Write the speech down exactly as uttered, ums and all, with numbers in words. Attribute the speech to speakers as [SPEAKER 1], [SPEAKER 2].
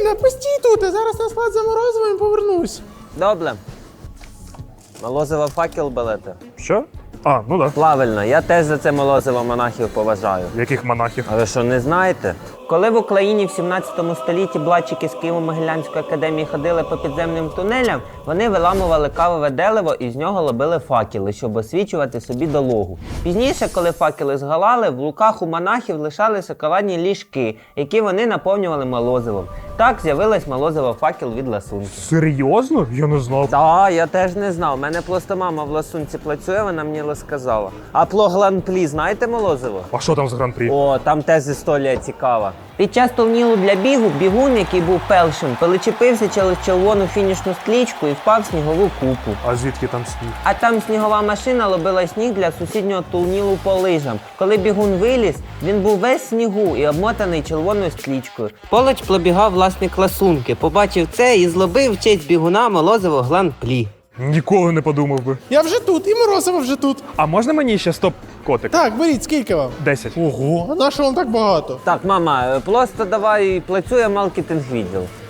[SPEAKER 1] Аліна, постій тут, я зараз на склад за морозивом і повернусь.
[SPEAKER 2] Добре. Молозиво факел берете.
[SPEAKER 3] Що? А, ну так.
[SPEAKER 2] Правильно, я теж за це молозиво монахів поважаю.
[SPEAKER 3] Яких монахів?
[SPEAKER 2] А ви що, не знаєте? Коли в Україні в сімнадцятому столітті блатчики з Києво-Могилянської академії ходили по підземним тунелям, вони виламували кавове дерево і з нього робили факели, щоб освічувати собі дорогу. Пізніше, коли факели згалали, в руках у монахів лишалися шоколадні ліжки, які вони наповнювали молозивом. Так з'явилось молозиво факел від ласунки.
[SPEAKER 3] Серйозно? Я не знав.
[SPEAKER 2] Так, я теж не знав. У мене просто мама в ласунці працює, вона мені розказала. А про Глан-Плі знаєте молозиво?
[SPEAKER 3] А що там з гран-прі?
[SPEAKER 2] О, там теж історія цікава. Під час турніру для бігу бігун, який був першим, перечепився через червону фінішну стрічку і впав в снігову купу.
[SPEAKER 3] А звідки там сніг?
[SPEAKER 2] А там снігова машина робила сніг для сусіднього турніру по лижам. Коли бігун виліз, він був весь в снігу і обмотаний червоною стрічкою. Поруч пробігав власник ласунки, побачив це і злобив в честь бігуна молозиво Глан-Плі.
[SPEAKER 3] Ніколи не подумав би.
[SPEAKER 1] Я вже тут, і морозиво вже тут.
[SPEAKER 3] А можна мені ще стоп-котик?
[SPEAKER 1] Так, беріть, скільки вам?
[SPEAKER 3] Десять.
[SPEAKER 1] Ого, а на що вам так багато?
[SPEAKER 2] Так, мама, просто давай працює маркетинг відділ.